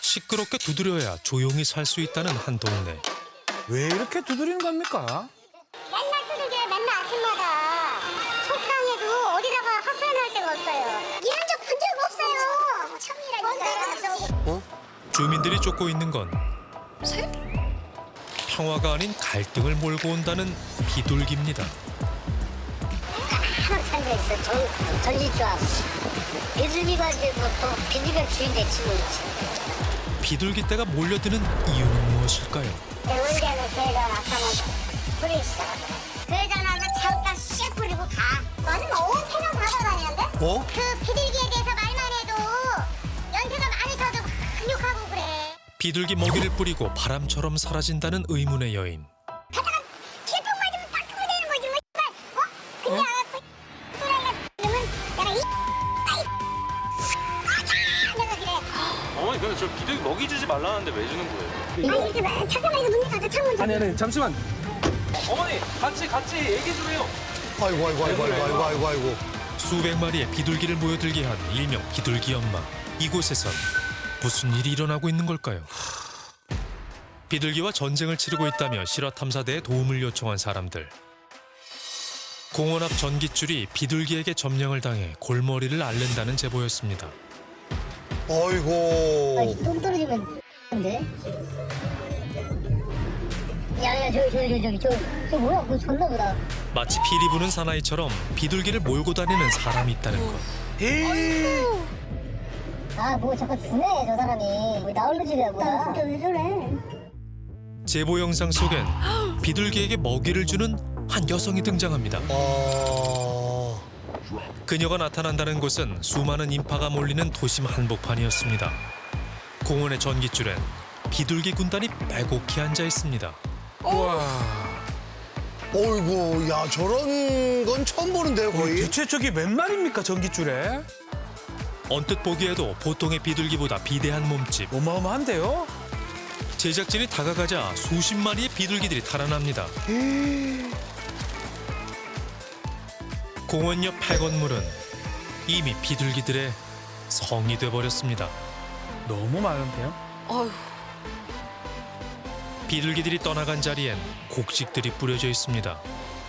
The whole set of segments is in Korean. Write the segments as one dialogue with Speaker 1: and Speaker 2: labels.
Speaker 1: 시끄럽게 두드려야 조용히 살 수 있다는 한 동네.
Speaker 2: 왜 이렇게 두드리는 겁니까?
Speaker 3: 맨날 두들겨요. 맨날 아침마다. 속상해도 어디다가 하소연할 데가 없어요. 이런 적 본 적 없어요. 처음이라니까요.
Speaker 1: 주민들이 쫓고 있는 건
Speaker 4: 새?
Speaker 1: 평화가 아닌 갈등을 몰고 온다는 비둘기입니다.
Speaker 3: 하나 살고 있어. 전지조합. 비둘기가 이제 뭐또 비둘기가 주인 됐지 뭐.
Speaker 1: 비둘기 떼가 몰려드는 이유는 무엇일까요?
Speaker 3: 원래는 걔가 나타나서 뿌리기 시작하더라. 그러자마자 잠깐 씩 뿌리고 가. 맞아, 온 세상 받아다니는데?
Speaker 2: 어?
Speaker 3: 그 비둘기에 대해서 말만 해도 연세가 많으셔도 근육하고 그래.
Speaker 1: 비둘기 먹이를 뿌리고 바람처럼 사라진다는 의문의 여인.
Speaker 3: 가다가 길통 맞으면 딱 그거 되는 거지 뭐. 근데 아까 또라이가 그러면 내가 내가 그래.
Speaker 5: 어머니 근데 저 비둘기 먹이 주지 말라는데 왜 주는 거예요?
Speaker 3: 아니 이렇게 잠깐만 이거 문 닫아 창문 좀.
Speaker 2: 아니 잠시만.
Speaker 5: 어머니 같이 얘기 좀 해요.
Speaker 6: 아이고.
Speaker 1: 수백 마리의 비둘기를 모여들게 한 일명 비둘기 엄마. 이곳에선 무슨 일이 일어나고 있는 걸까요? 비둘기와 전쟁을 치르고 있다며 실화탐사대에 도움을 요청한 사람들. 공원 앞 전깃줄이 비둘기에게 점령을 당해 골머리를 앓는다는 제보였습니다.
Speaker 6: 아이고.
Speaker 3: 똥 떨어지면 근데. 야야 저기 뭐야? 그거 줬나 보다.
Speaker 1: 마치 피리 부는 사나이처럼 비둘기를 몰고 다니는 사람이 있다는 것.
Speaker 3: 아 뭐 자꾸 주네 저 사람이. 뭐 나홀로 집이야 뭐야. 진짜 왜 저래?
Speaker 1: 제보 영상 속엔 비둘기에게 먹이를 주는 한 여성이 등장합니다. 그녀가 나타난다는 곳은 수많은 인파가 몰리는 도심 한복판이었습니다. 공원의 전깃줄엔 비둘기 군단이 빼곡히 앉아 있습니다.
Speaker 6: 어이구, 야 저런 건 처음 보는데요, 거의.
Speaker 2: 대체 저기 몇 마리입니까 전깃줄에?
Speaker 1: 언뜻 보기에도 보통의 비둘기보다 비대한 몸집.
Speaker 2: 어마어마한데요?
Speaker 1: 제작진이 다가가자 수십 마리의 비둘기들이 달아납니다. 공원 옆 폐건물은 이미 비둘기들의 성이 돼버렸습니다.
Speaker 2: 너무 많은데요?
Speaker 4: 어휴,
Speaker 1: 비둘기들이 떠나간 자리엔 곡식들이 뿌려져 있습니다.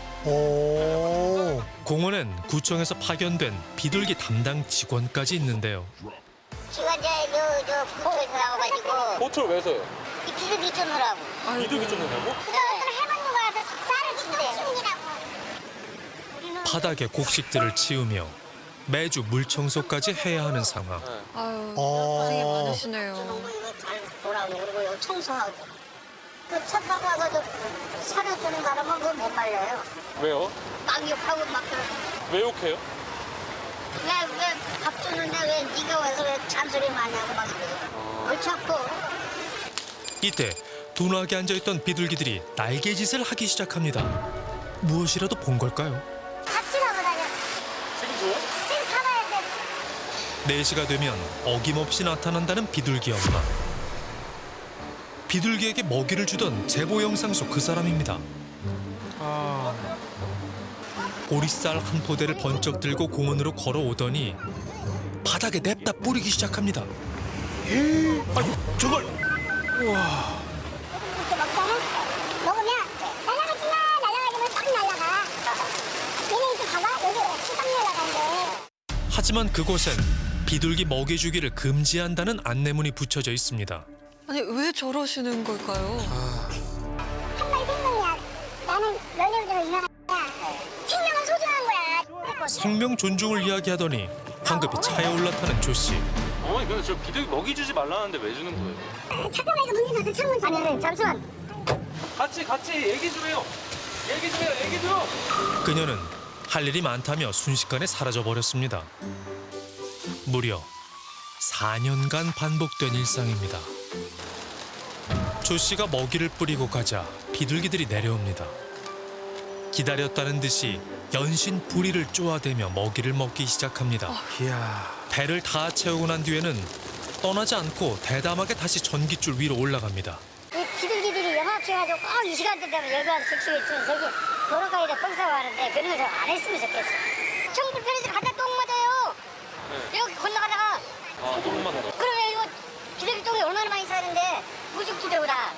Speaker 6: 오.
Speaker 1: 공원엔 구청에서 파견된 비둘기 담당 직원까지 있는데요.
Speaker 3: 지가 이제 저 부처에서 나와가지고
Speaker 5: 호출 왜 서요?
Speaker 3: 이 비둘기 쫓느라고.
Speaker 5: 비둘기 쫓는다고?
Speaker 3: 그동안 해먹는 거라서 쌀을 준대.
Speaker 1: 바닥에 곡식들을 치우며 매주 물 청소까지 해야 하는 상황.
Speaker 4: 아유, 고생이 많으시네요.
Speaker 3: 이거 잘 보라고 그리고 이거 청소하고. 그차 타고 와가지고 사료주는 사람은 그거 못 말려요.
Speaker 5: 왜요?
Speaker 3: 막 욕하고 막
Speaker 5: 왜 욕해요?
Speaker 3: 왜 밥 주는데 왜 네가 와서 왜 잔소리 많이 하고 막 그래요. 옳지 않고.
Speaker 1: 이때 둔하게 앉아있던 비둘기들이 날개짓을 하기 시작합니다. 무엇이라도 본 걸까요?
Speaker 3: 같이 가고 다녀.
Speaker 5: 지금 줘요?
Speaker 3: 지금 가봐야 돼.
Speaker 1: 4시가 되면 어김없이 나타난다는 비둘기 엄마. 비둘기에게 먹이를 주던 제보 영상 속 그 사람입니다. 보리쌀 한 포대를 번쩍 들고 공원으로 걸어오더니 바닥에 냅다 뿌리기 시작합니다.
Speaker 2: 저걸
Speaker 3: 이렇게 먹잖아? 먹으면 날아가지면 딱 날아가. 얘네 이렇게 봐봐. 여기 수박 날아가는데.
Speaker 1: 하지만 그곳엔 비둘기 먹이 주기를 금지한다는 안내문이 붙여져 있습니다.
Speaker 4: 아니, 왜 저러시는 걸까요?
Speaker 3: 한 마리 생명이야. 나는 면역력을 이용한 거야. 생명은 소중한 거야.
Speaker 1: 생명 존중을 이야기하더니 황급히 차에 올라타는 조 씨.
Speaker 5: 어머니 근데 저 비둘기 먹이 주지 말라는데 왜 주는 거예요?
Speaker 3: 잠깐만 이거 문좀 닫아 창문 좀. 아니 잠시만.
Speaker 5: 같이 얘기 좀 해요. 얘기 좀.
Speaker 1: 그녀는 할 일이 많다며 순식간에 사라져 버렸습니다. 무려 4년간 반복된 일상입니다. 조 씨가 먹이를 뿌리고 가자 비둘기들이 내려옵니다. 기다렸다는 듯이 연신 부리를 쪼아대며 먹이를 먹기 시작합니다.
Speaker 2: 이야.
Speaker 1: 배를 다 채우고 난 뒤에는 떠나지 않고 대담하게 다시 전깃줄 위로 올라갑니다.
Speaker 3: 이 비둘기들이 영악해가지고 꼭 이 시간대 되면 여기 와서 즉석에 있으면 저기 도로가에다 똥 싸고 하는데 그런 거 안 했으면 좋겠어. 청 불편해서 가다 똥 맞아요. 여기 건너가다가
Speaker 5: 똥 맞다.
Speaker 3: 그러면 이거 비둘기 똥이 얼마나 많이 사는데 무식지대로 다.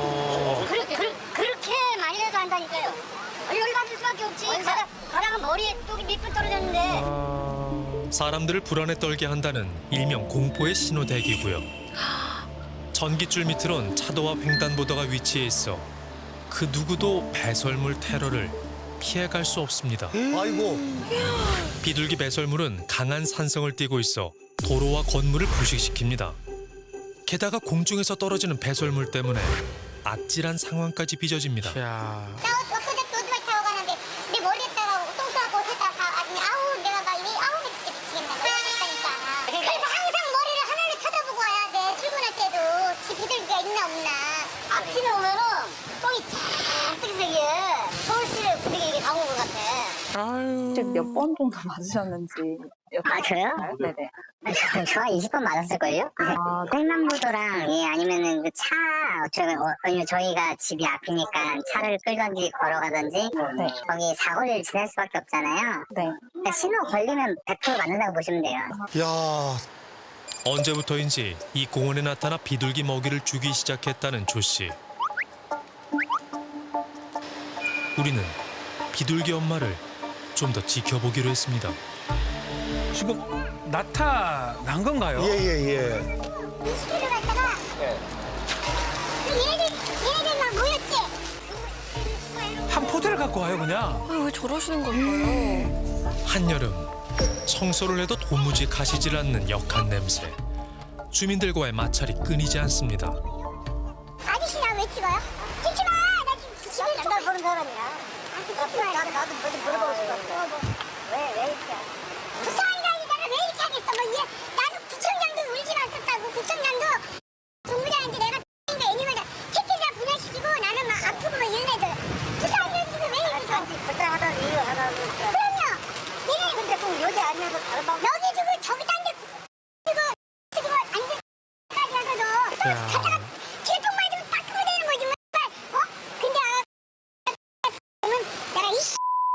Speaker 3: 그렇게 많이라도 한다니까요. 열받을 수밖에 없지. 가다가 머리에 뚝이 밑불 떨어졌는데.
Speaker 1: 사람들을 불안에 떨게 한다는 일명 공포의 신호대기고요. 전깃줄 밑으론 차도와 횡단보도가 위치해 있어 그 누구도 배설물 테러를 피해갈 수 없습니다.
Speaker 6: 아이고.
Speaker 1: 비둘기 배설물은 강한 산성을 띠고 있어 도로와 건물을 부식시킵니다. 게다가 공중에서 떨어지는 배설물 때문에 아찔한 상황까지 빚어집니다.
Speaker 2: 야.
Speaker 3: 나 엊그저께 오토바이 타고 가는데 내 머리에다가 똥 싸고 옷에다가 다 아주 아우 내가 막 진짜 미치겠네. 그러니까. 그래서 항상 머리를 하나를 쳐다보고 와야 돼. 출근할 때도 지 비둘기가 있나 없나. 아침에 오면은 똥이 쫙뜩색이에 서울시를 부득이 이게 가온 것 같아.
Speaker 2: 아유.
Speaker 7: 몇 번 정도 맞으셨는지
Speaker 3: 아 그래요?
Speaker 7: 네네.
Speaker 3: 저 20번 맞았을걸요? 횡단보도랑 아니면은 그 차 아니면 저희가 집이 앞이니까 차를 끌던지 걸어가던지 거기 사거리를 지날 수밖에 없잖아요.
Speaker 7: 네.
Speaker 3: 그러니까 신호 걸리면 100% 맞는다고 보시면 돼요.
Speaker 6: 야,
Speaker 1: 언제부터인지 이 공원에 나타나 비둘기 먹이를 주기 시작했다는 조 씨. 우리는 비둘기 엄마를 좀 더 지켜보기로 했습니다.
Speaker 2: 지금 나타난 건가요?
Speaker 6: 예.
Speaker 3: 20km 갔다가 얘네들 막 모였지?
Speaker 2: 한 포대를 갖고 와요 그냥.
Speaker 4: 왜 저러시는 걸까요?
Speaker 1: 한여름 청소를 해도 도무지 가시질 않는 역한 냄새. 주민들과의 마찰이 끊이지 않습니다.
Speaker 3: 아저씨 나 왜 찍어요? 찍지 마! 나 지금 집에 날 보는 사람이야. 나도 뭐좀 물어보고 싶었어. 왜 이렇게 부산이라니까 왜 이렇게 하겠어? 나도 구청장도 울지 않았다고. 구청장도 동부장한테 내가 X인데 애니멀 새끼들 분해시키고 나는 막 아프고 막 이런 애들. 부산이들 지금 왜 이렇게 불쌍하다는 이유 하나 그럼요. 얘네 근데 꼭 여기 아니어도 다른 방 여기 주고 저기 딴 데 주고 안돼까지 하고도 가다가 길통만 좀 닦으면 되는 거지 뭐. 근데 내가 이씨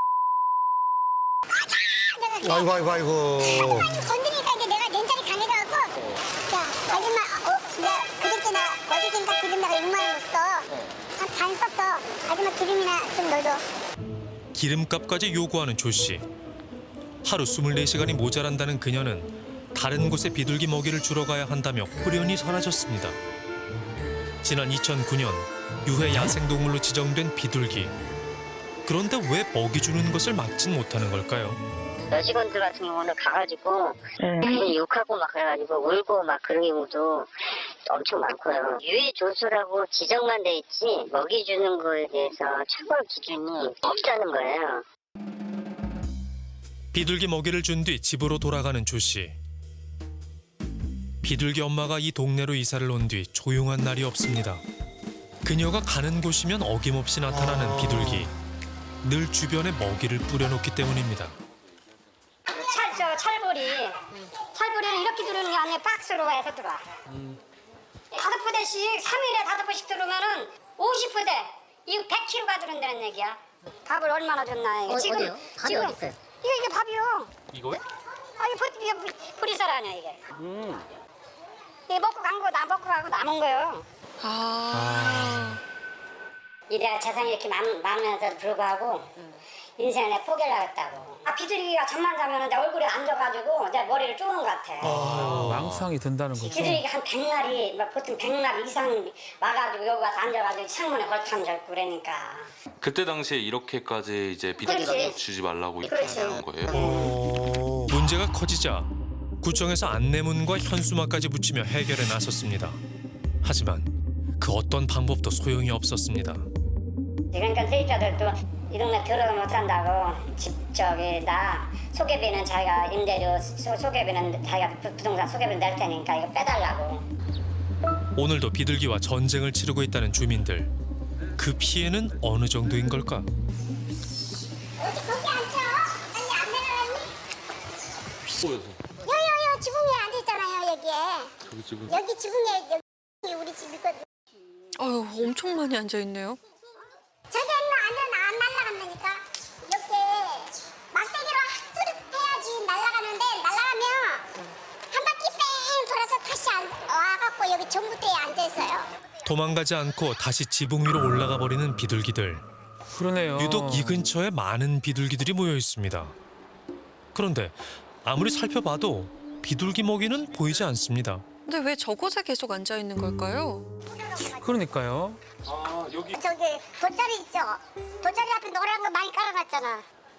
Speaker 6: 아이고.
Speaker 3: 건드리니까 이제 내가 렌탈이 강해져갖고 야 아줌마 내가 그저께 어저께인가 기름 내가 6만 원 줬어. 한 반 썼어. 아줌마 기름이나 좀 넣어줘.
Speaker 1: 기름값까지 요구하는 조 씨. 하루 24시간이 모자란다는 그녀는 다른 곳에 비둘기 먹이를 주러 가야 한다며 호련히 사라졌습니다. 지난 2009년 유해 야생동물로 지정된 비둘기. 그런데 왜 먹이 주는 것을 막진 못하는 걸까요?
Speaker 3: 여직원들 같은 경우는 가가지고 욕하고 막 그래가지고 울고 막 그런 경우도 엄청 많고요. 유해 조수라고 지정만 돼 있지 먹이 주는 거에 대해서 처벌 기준이 없다는 거예요.
Speaker 1: 비둘기 먹이를 준 뒤 집으로 돌아가는 조 씨. 비둘기 엄마가 이 동네로 이사를 온 뒤 조용한 날이 없습니다. 그녀가 가는 곳이면 어김없이 나타나는 비둘기. 늘 주변에 먹이를 뿌려놓기 때문입니다.
Speaker 3: 찰보리는 이렇게 들어오는 게 아니라 박스로 해서 들어와. 5포대씩 3일에 5포씩 들어오면은 50포대. 이거 100kg가 들어온다는 얘기야. 밥을 얼마나 줬나 이게.
Speaker 8: 어디요? 밥이 어디 있어요?
Speaker 3: 이게 밥이요.
Speaker 5: 이거요?
Speaker 3: 이게 보리쌀 아니야 이게. 이게 먹고 간 거 나 먹고 가고 남은 거요. 내가 재산이 이렇게 많으면서 불구하고 인생을 내가 포기를 하겠다고. 비둘기가 잠만 자면 내 얼굴에 앉아가지고 내 머리를 쪼는 것 같아.
Speaker 2: 망상이 든다는 거죠.
Speaker 3: 비둘기가 한 100마리, 보통 100마리 이상 와가지고 여기 와서 앉아가지고 창문에 걸터 잡고 그러니까.
Speaker 9: 그때 당시에 이렇게까지 이제 비둘기
Speaker 3: 그렇지.
Speaker 9: 주지 말라고 이렇게
Speaker 3: 그렇지.
Speaker 9: 하는 거예요.
Speaker 1: 문제가 커지자 구청에서 안내문과 현수막까지 붙이며 해결에 나섰습니다. 하지만 그 어떤 방법도 소용이 없었습니다.
Speaker 3: 그러니까 세입자들도 이 동네 들어가면 못한다고 나 소개비는 자기가 임대료 소개비는 자기가 부동산 소개비를 낼 테니까 이거 빼달라고.
Speaker 1: 오늘도 비둘기와 전쟁을 치르고 있다는 주민들. 그 피해는 어느 정도인 걸까?
Speaker 3: 어디 거기 앉혀? 아니 안 내려갔니? 여기 지붕에 앉아있잖아요 여기에. 여기 지붕에 여기 우리 집이거든.
Speaker 4: 아유, 엄청 많이 앉아있네요.
Speaker 3: 저기 안 날아간다니까. 이렇게 막대기로 뚜렷 해야지 날아가는데 날아가면 한 바퀴 뺑 돌아서 다시 아저씨 와갖고 여기 전봇대에 앉아있어요.
Speaker 1: 도망가지 않고 다시 지붕 위로 올라가 버리는 비둘기들.
Speaker 2: 그러네요.
Speaker 1: 유독 이 근처에 많은 비둘기들이 모여 있습니다. 그런데 아무리 살펴봐도 비둘기 먹이는 보이지 않습니다.
Speaker 4: 근데 왜 저곳에 계속 앉아 있는 걸까요?
Speaker 2: 그러니까요.
Speaker 5: 아 여기
Speaker 3: 저기 돗자리 있죠? 돗자리 앞에 노란 거 많이 깔아놨잖아.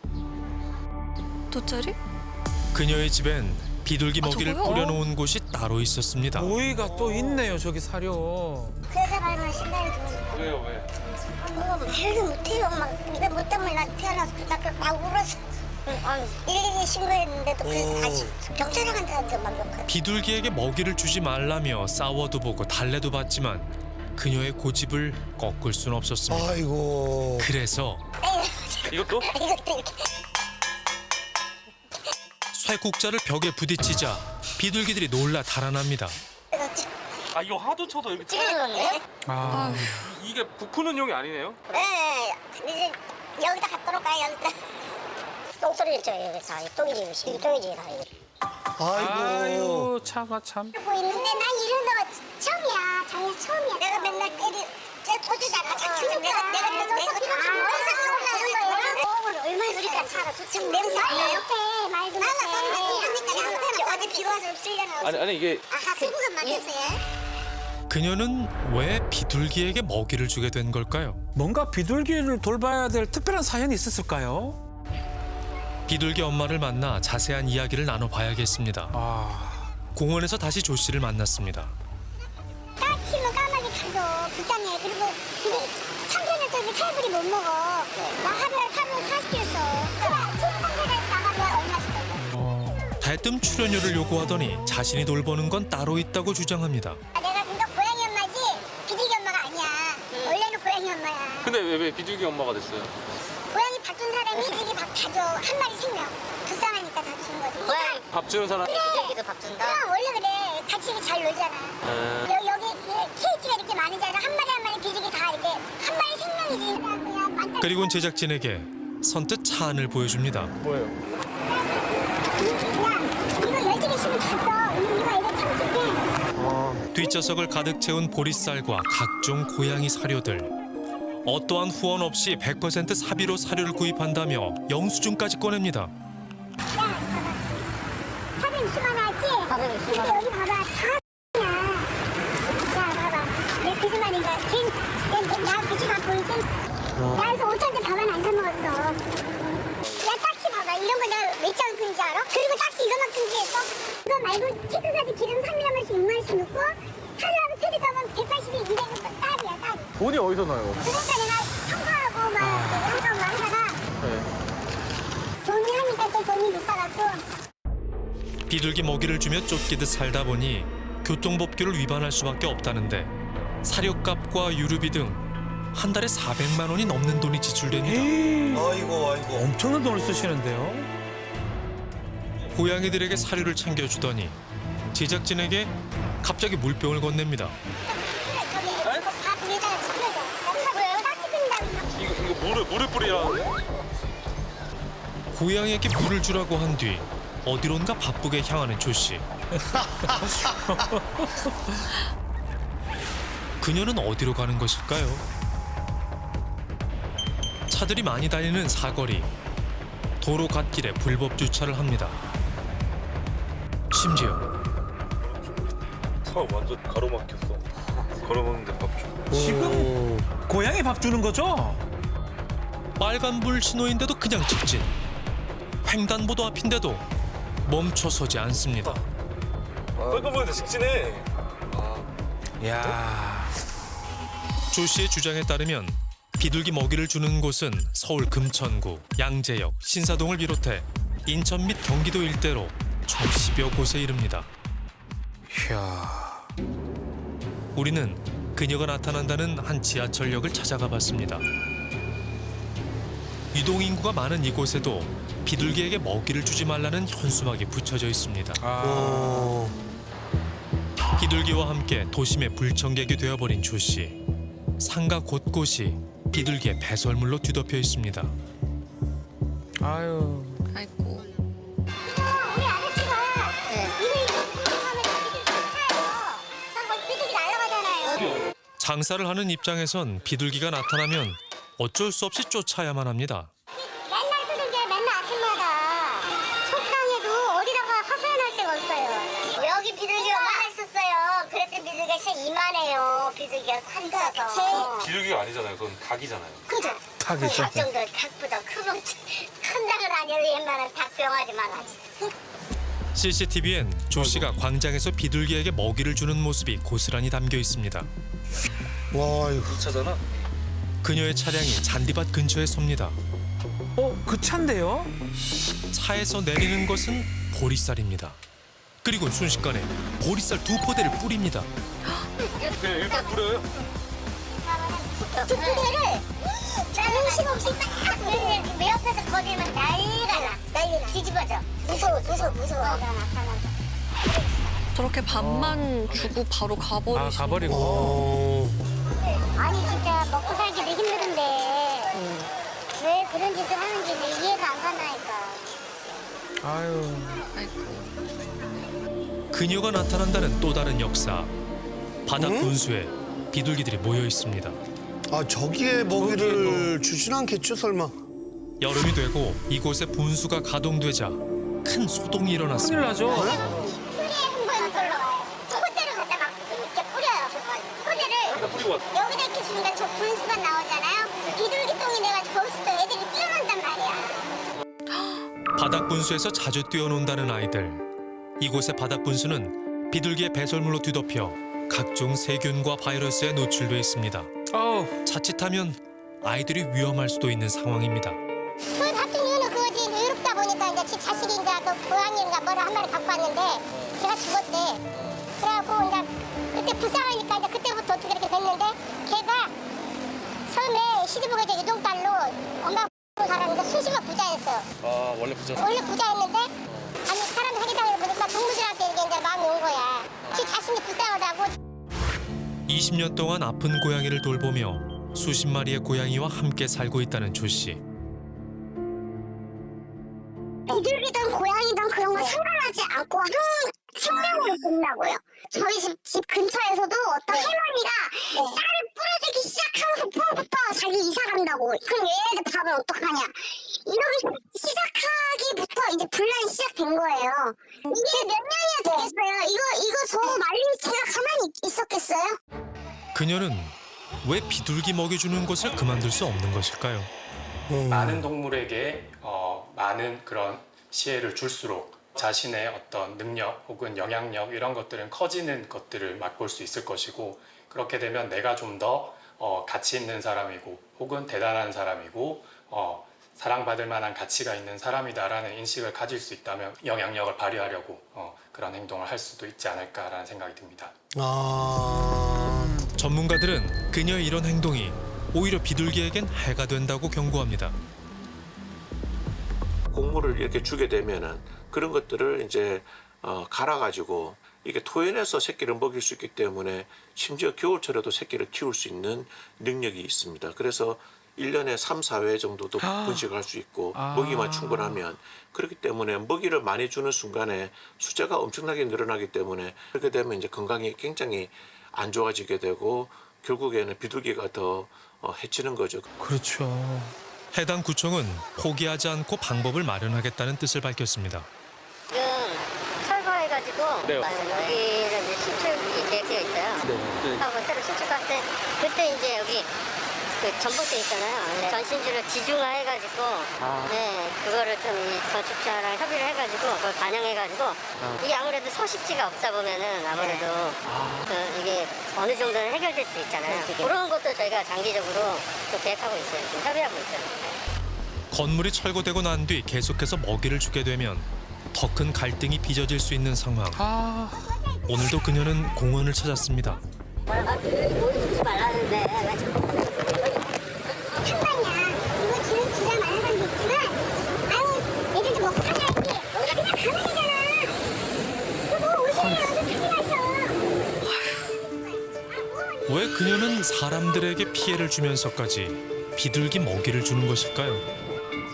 Speaker 4: 돗자리?
Speaker 1: 그녀의 집엔 비둘기
Speaker 4: 아,
Speaker 1: 먹이를
Speaker 4: 저거요?
Speaker 1: 뿌려놓은 곳이 따로 있었습니다.
Speaker 2: 모이가 또 있네요. 저기 사료.
Speaker 3: 그 여자 말만 신나게 들으니까
Speaker 5: 왜요 왜?
Speaker 3: 말도 못해요. 막 이거 뭐 때문에 나 태어나서 막 울어서 112 신고했는데도 그래서 다시 경찰에 간다는데 막 욕하고.
Speaker 1: 비둘기에게 먹이를 주지 말라며 싸워도 보고 달래도 봤지만 그녀의 고집을 꺾을 순 없었습니다.
Speaker 6: 아이고.
Speaker 1: 그래서
Speaker 5: 이것도?
Speaker 3: 이것도 이렇게
Speaker 1: 쇠국자를 벽에 부딪히자 비둘기들이 놀라 달아납니다.
Speaker 5: 아 이거 하도 쳐도 이렇게
Speaker 3: 찌르는데?
Speaker 2: 아,
Speaker 5: 이게 부푸는 용이 아니네요?
Speaker 3: 네, 이제 여기다 갖다 놓을까요? 여기다. 똥소리를 져요, 여기서. 똥이지, 똥이지, 다 이거.
Speaker 6: 아이고.
Speaker 2: 아유 차가 참.
Speaker 3: 하고 있는데 난 이런 거가 처음이야. 작년 처음이야. 내가 맨날 제 도주자가 내가 얼마나 우리가 살아. 지금 냄새 안 나요? 말도 못해. 어제 비 와서 없으려나.
Speaker 5: 아니 이게
Speaker 3: 아까 수구가 막혔어요.
Speaker 1: 그녀는 왜 비둘기에게 먹이를 주게 된 걸까요?
Speaker 2: 뭔가 비둘기를 돌봐야 될 특별한 사연이 있었을까요?
Speaker 1: 비둘기 엄마를 만나 자세한 이야기를 나눠봐야겠습니다.
Speaker 2: 아,
Speaker 1: 공원에서 다시 조 씨를 만났습니다.
Speaker 3: 까치면 까마귀 가서 비싸네. 그리고 근데 3개월 전에 칼불이 못 먹어. 나 하루에 40kg 써. 소상공인에 나가면 얼마씩 벌어?
Speaker 1: 대뜸 출연료를 요구하더니 자신이 돌보는 건 따로 있다고 주장합니다.
Speaker 3: 내가 근데 고양이 엄마지 비둘기 엄마가 아니야. 원래는 고양이 엄마야.
Speaker 5: 근데 왜 비둘기 엄마가 됐어요?
Speaker 3: 고양이 밥 준 사람이 비둘기 밥 다 줘. 한 마리 생명. 불쌍하니까 다 준 거지. 고양이
Speaker 5: 밥 주는 사람
Speaker 3: 비둘기도 밥 준다? 그럼 원래 그래. 같이 잘 놀잖아. 여기 케이지가 이렇게 많으잖아. 한 마리 비둘기 다 이렇게 한 마리 생명이지. 그냥 만날
Speaker 1: 그리고는 제작진에게 선뜻 차 안을 보여줍니다.
Speaker 5: 뭐예요?
Speaker 3: 야, 이거 12개 씩은 다 써. 이거 이거 참을게.
Speaker 1: 뒷좌석을 가득 채운 보리쌀과 각종 고양이 사료들. 어떠한 후원 없이 100% 사비로 사료를 구입한다며 영수증까지 꺼냅니다.
Speaker 3: 야, 봐봐. 460만 원 하지? 460만 원. 여기 봐봐. 다 야, 봐봐. 내 거짓말인가? 나 거짓말 보이지? 나 그래서 5천원짜리 밥은 안 사먹었어. 야, 딱지 봐봐. 이런 거 내가 몇 장을 끈지 알아? 그리고 딱지 이거만큼 지했어? 이거 말고 체크카드 기름 3일하면씩 6만원씩 넣고 사료하고 패드 가면 180에 200원 딸이야, 딸.
Speaker 5: 돈이 어디서 나요?
Speaker 3: 그러니까 내가 청소하고 막 항상 막 하다가 돈이 하니까 또 돈이 비싸갖고
Speaker 1: 비둘기 먹이를 주며 쫓기듯 살다 보니 교통법규를 위반할 수밖에 없다는데 사료값과 유류비 등 한 달에 400만 원이 넘는 돈이 지출됩니다.
Speaker 6: 아이고, 아이고.
Speaker 2: 엄청난 돈을 쓰시는데요.
Speaker 1: 고양이들에게 사료를 챙겨주더니 제작진에게 갑자기 물병을 건넵니다.
Speaker 3: 저기 밥 위에다가 뿌려줘. 왜요? 딱지 끈다고.
Speaker 5: 이거 물을 뿌리라는데?
Speaker 1: 고양이에게 물을 주라고 한 뒤 어디론가 바쁘게 향하는 조 씨. 그녀는 어디로 가는 것일까요? 차들이 많이 다니는 사거리. 도로 갓길에 불법 주차를 합니다. 심지어
Speaker 9: 차 완전 가로막혔어. 걸어먹는데 밥 줘.
Speaker 2: 지금 고양이 밥 주는 거죠?
Speaker 1: 빨간불 신호인데도 그냥 직진. 횡단보도 앞인데도 멈춰서지 않습니다.
Speaker 9: 빨간불인데 직진해.
Speaker 2: 야,
Speaker 1: 조 씨의 주장에 따르면 비둘기 먹이를 주는 곳은 서울 금천구, 양재역, 신사동을 비롯해 인천 및 경기도 일대로 총 10여 곳에 이릅니다.
Speaker 2: 이야.
Speaker 1: 우리는 그녀가 나타난다는 한 지하철역을 찾아가 봤습니다. 유동인구가 많은 이곳에도 비둘기에게 먹이를 주지 말라는 현수막이 붙여져 있습니다.
Speaker 6: 오.
Speaker 1: 비둘기와 함께 도심의 불청객이 되어버린 조 씨. 상가 곳곳이 비둘기의 배설물로 뒤덮여 있습니다.
Speaker 2: 아유.
Speaker 4: 아이고.
Speaker 3: 우리 아저씨가 이거 하면 비둘기 좋다요.
Speaker 1: 장사를 하는 입장에선 비둘기가 나타나면 어쩔 수 없이 쫓아야만 합니다.
Speaker 3: 맨날 두들겨요. 맨날 아침마다. 속상해도 어디다가 하소연할 데가 없어요. 여기 비둘기가 많이 있었어요. 그랬더니 비둘기가 진짜 이만해요. 비둘기가 산다서.
Speaker 9: 비둘기가 아니잖아요. 그건 닭이잖아요.
Speaker 3: 그죠?
Speaker 2: 닭이죠.
Speaker 3: 닭 정도 닭보다 큰 닭은 아니어도 웬만한 닭병아리만 하지.
Speaker 1: CCTV엔 조 씨가 광장에서 비둘기에게 먹이를 주는 모습이 고스란히 담겨 있습니다.
Speaker 6: 와 이거
Speaker 9: 차잖아.
Speaker 1: 그녀의 차량이 잔디밭 근처에 섭니다.
Speaker 2: 그 차인데요?
Speaker 1: 차에서 내리는 것은 보리쌀입니다. 그리고 순식간에 보리쌀 2포대를 뿌립니다.
Speaker 9: 그냥 일단 뿌려요.
Speaker 3: 두 부대를 자존심 없이 딱 내 옆에서 거리면 난리가 나. 뒤집어져. 무서워.
Speaker 4: 저렇게 밥만 주고 바로
Speaker 2: 아,
Speaker 4: 가버리시는
Speaker 2: 가버리고.
Speaker 3: 아니 진짜 먹고 살기도 힘든데 왜 그런 짓을 하는지 이해가 안 간다니까.
Speaker 2: 아유.
Speaker 4: 아이고.
Speaker 1: 그녀가 나타난다는 또 다른 역사. 바닥 분수에 비둘기들이 모여 있습니다.
Speaker 6: 아 저기에 먹이를 주진 않겠죠 설마.
Speaker 1: 여름이 되고 이곳에 분수가 가동되자 큰 소동이
Speaker 2: 큰일
Speaker 1: 일어났습니다.
Speaker 2: 나죠?
Speaker 3: 뿌리에 한 걸로 포대를 갖다 막 이렇게 뿌려요. 포대를
Speaker 9: 뿌리고 왔어.
Speaker 3: 여기다 이렇게 주니까 저 분수가 나오잖아요. 비둘기똥이 내가 저기서 애들이 뛰어난단 말이야.
Speaker 1: 바닥 분수에서 자주 뛰어논다는 아이들. 이곳의 바닥 분수는 비둘기의 배설물로 뒤덮여 각종 세균과 바이러스에 노출돼 있습니다.
Speaker 2: 어우.
Speaker 1: 자칫하면 아이들이 위험할 수도 있는 상황입니다.
Speaker 3: 그 같은 이유는 그거지. 외롭다 보니까 이제 지 자식인가 그 고양이인가 뭐를 한 마리 갖고 왔는데 걔가 죽었대. 그래갖고 이제 그때 불쌍하니까 이제 그때부터 어떻게 이렇게 됐는데 걔가 처음에 시집오게 이제 유동딸로 엄마 살았는데 수시가 부자였어요.
Speaker 9: 아 원래 부자.
Speaker 3: 원래 부자였는데 아니 사람 사기당해 보니까 동무들한테 이제 마음이 온 거야. 지 자신이 불쌍하다고.
Speaker 1: 20년 동안 아픈 고양이를 돌보며 수십 마리의 고양이와 함께 살고 있다는 조 씨.
Speaker 3: 비둘기든 고양이든 그런 거 상관하지 않고 생명으로 본다고요. 저희 집 근처에서도 어떤 할머니가 쌀을 뿌려주기 시작하는 부터 자기 이사 간다고. 그럼 얘네들 밥은 어떡하냐. 이러기 시작하기부터 이제 분란이 시작된 거예요. 이게 몇 년이나 됐겠어요. 이거 저 말린 제가 가만히 있었겠어요?
Speaker 1: 그녀는 왜 비둘기 먹여주는 것을 그만둘 수 없는 것일까요?
Speaker 8: 많은 동물에게 많은 그런 시혜를 줄수록 자신의 어떤 능력 혹은 영향력 이런 것들은 커지는 것들을 맛볼 수 있을 것이고, 그렇게 되면 내가 좀 더 가치 있는 사람이고 혹은 대단한 사람이고 사랑받을 만한 가치가 있는 사람이다라는 인식을 가질 수 있다면 영향력을 발휘하려고 그런 행동을 할 수도 있지 않을까라는 생각이 듭니다.
Speaker 1: 전문가들은 그녀의 이런 행동이 오히려 비둘기에겐 해가 된다고 경고합니다.
Speaker 10: 곡물을 이렇게 주게 되면은 그런 것들을 이제 갈아가지고 이게 토해내서 새끼를 먹일 수 있기 때문에 심지어 겨울철에도 새끼를 키울 수 있는 능력이 있습니다. 그래서 1년에 3, 4회 정도도 분식을 할 수 있고 먹이만 충분하면, 그렇기 때문에 먹이를 많이 주는 순간에 숫자가 엄청나게 늘어나기 때문에 그렇게 되면 이제 건강이 굉장히 안 좋아지게 되고 결국에는 비둘기가 더 해치는 거죠.
Speaker 2: 그렇죠.
Speaker 1: 해당 구청은 포기하지 않고 방법을 마련하겠다는 뜻을 밝혔습니다.
Speaker 3: 지금 철거해가지고
Speaker 9: 네.
Speaker 3: 여기를 이제 신축이 되어 있어요.
Speaker 9: 네.
Speaker 3: 하고 새로 신축할 때 그때 이제 여기 그 전봇대 있잖아요. 전신주를 지중화해가지고 네 그거를 좀 이 건축자랑 협의를 해가지고 그걸 반영해가지고 이게 아무래도 서식지가 없다 보면은 아무래도 그 이게 어느 정도는 해결될 수 있잖아요. 그런 것도 저희가 장기적으로 또 계획하고 있어요. 지금 협의하고 있어요.
Speaker 1: 건물이 철거되고 난 뒤 계속해서 먹이를 주게 되면 더 큰 갈등이 빚어질 수 있는 상황. 오늘도 그녀는 공원을 찾았습니다.
Speaker 3: 주지 말라는데 왜 자꾸 상관이야. 이거 주자 많은 사람도 있지만 아유 애들도 먹고 살아야지. 그냥 가면 되잖아. 그거 오세요. 어디
Speaker 1: 왜 그녀는 사람들에게 피해를 주면서까지 비둘기 먹이를 주는 것일까요?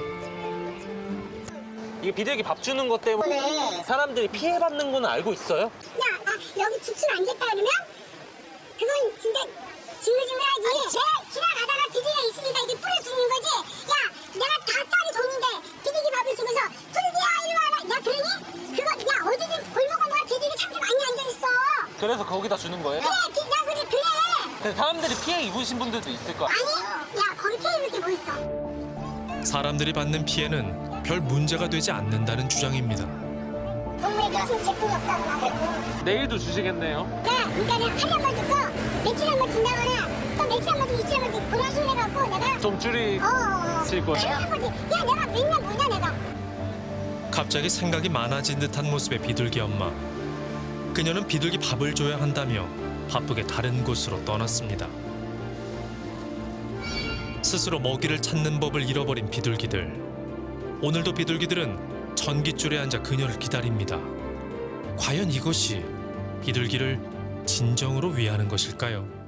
Speaker 5: 이게 비둘기 밥 주는 것 때문에 사람들이 피해받는 건 알고 있어요?
Speaker 3: 야, 나 여기 주춤 앉았다 그러면 그건 진짜 징글징글하지. 내가 지나가다가 비둘기가 있으니까 이게 뿌려주는 거지. 야, 내가 다 쌀이 돈인데 비둘기 밥을 주면서 비둘기야 이리 와라. 야 그러니? 그거 야 어디든 골목골목 비둘기 참깨 많이 앉아있어.
Speaker 5: 그래서 거기다 주는 거예요?
Speaker 3: 그래, 나 그래.
Speaker 5: 근데 사람들이 피해 입으신 분들도 있을 거야.
Speaker 3: 아니, 야 거기 피해 입을 게 뭐 있어?
Speaker 1: 사람들이 받는 피해는 별 문제가 되지 않는다는 주장입니다.
Speaker 3: 동물에 무슨 제품이 없다고 나고.
Speaker 5: 내일도 주시겠네요.
Speaker 3: 야, 그러니까는 하루 한번 듣고 며칠 한번 준다거나 또 며칠 한번 듣고 이틀 한번 듣고 그런 식으로 해갖고 내가
Speaker 5: 좀 줄이실 거예요?
Speaker 3: 하루 한번 듣고 야 내가 맨날 뭐냐 내가.
Speaker 1: 갑자기 생각이 많아진 듯한 모습의 비둘기 엄마. 그녀는 비둘기 밥을 줘야 한다며 바쁘게 다른 곳으로 떠났습니다. 스스로 먹이를 찾는 법을 잃어버린 비둘기들. 오늘도 비둘기들은 전깃줄에 앉아 그녀를 기다립니다. 과연 이것이 비둘기를 진정으로 위하는 것일까요?